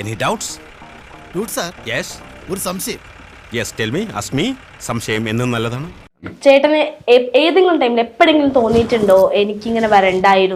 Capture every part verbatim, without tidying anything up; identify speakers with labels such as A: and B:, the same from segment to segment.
A: Any doubts?
B: Doubts, sir?
A: Yes.
B: ഒരു സംശയം.
A: Yes, tell me. Ask me. സംശയം എന്നും നല്ലതാണ്.
C: ചേട്ടന് ഏതെങ്കിലും ടൈമിൽ എപ്പോഴെങ്കിലും തോന്നിയിട്ടുണ്ടോ എനിക്കിങ്ങനെ വരണ്ടായിരുന്നു?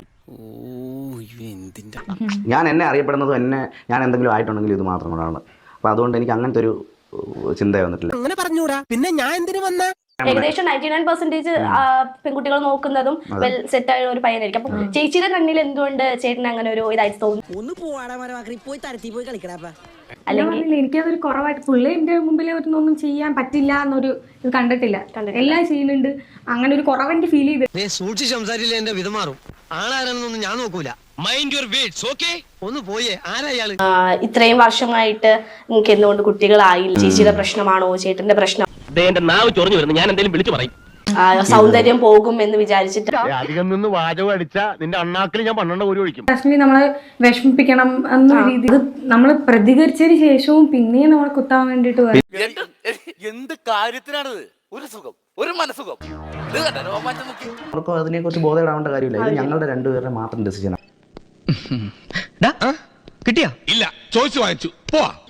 D: ഞാൻ എന്നെ അറിയപ്പെടുന്നതും എന്നെ ഞാൻ എന്തെങ്കിലും ആയിട്ടുണ്ടെങ്കിൽ ഇത് മാത്രം കൊണ്ടാണ്. അപ്പൊ അതുകൊണ്ട് എനിക്ക് അങ്ങനത്തെ ഒരു ചിന്ത വന്നിട്ടില്ല.
E: അങ്ങനെ പറഞ്ഞൂടാ, പിന്നെ ഞാൻ എന്തിനു വന്ന?
C: ഏകദേശം നയൻറ്റി നയൻ പെർസെന്റേജ് പെൺകുട്ടികൾ നോക്കുന്നതും വെൽ സെറ്റ് ആയ ഒരു പയ്യനായിരിക്കും. അപ്പൊ ചേച്ചിയുടെ കണ്ണിൽ എന്തുകൊണ്ട് ചേട്ടന് അങ്ങനെ ഒരു ഇതായിട്ട് തോന്നുന്നു?
F: ഒന്ന് പോവാടാ പോയി തരത്തി പോയി കളിക്കടാ.
G: അല്ലെങ്കിൽ എനിക്കതൊരു കുറവായിട്ട് പുള്ളി എന്റെ മുമ്പിൽ ഒന്നും ചെയ്യാൻ പറ്റില്ല എന്നൊരു ഇത് കണ്ടിട്ടില്ല. എല്ലാം ചെയ്യുന്നുണ്ട്. അങ്ങനെ ഒരു കുറവെനിക്ക് ഫീൽ ചെയ്ത്.
E: സൂക്ഷിച്ച് സംസാരിച്ചില്ല എന്റെ വിധമാറും. ആളാരാണെന്നൊന്നും ഞാൻ നോക്കൂല. Mind your words, okay? ഒന്ന് പോയേ. ആരാ ഇയാള്?
C: ഇത്രയും വർഷമായിട്ട് നിങ്ങൾക്ക് എന്തുകൊണ്ട് കുട്ടികളായില്ല? ചേച്ചിയുടെ പ്രശ്നമാണോ ചേട്ടന്റെ പ്രശ്നം?
H: എന്റെ നാവ് ചൊറിഞ്ഞു വരുന്നു. ഞാൻ എന്തെങ്കിലും വിളിച്ചു പറയും.
C: സൗന്ദര്യം പോകും എന്ന് വിചാരിച്ചിട്ട്
H: അധികം നിന്ന് വാചകം അടിച്ച നിന്റെ അണ്ണാക്കിൽ ഞാൻ പന്ത്രണ്ട് കോരി ഒഴിക്കും.
G: ലക്ഷ്മി നമ്മളെ വിഷമിപ്പിക്കണം എന്ന രീതി നമ്മൾ പ്രതികരിച്ചതിന് ശേഷവും പിന്നെയും നമ്മളെ കുത്താൻ വേണ്ടിട്ട്
I: എന്ത് കാര്യത്തിനാണിത്? ഒരു സുഖം, ഒരു മനസുഖം.
D: അവർക്കും അതിനെ കുറിച്ച് ബോധപ്പെടാവേണ്ട കാര്യമില്ല. ഇത് ഞങ്ങളുടെ രണ്ടുപേരുടെ മാത്രം ഡിസിഷനാണ്.
E: കിട്ടിയാ?
A: ഇല്ല, ചോദിച്ചു വാങ്ങിച്ചു. പോവാ.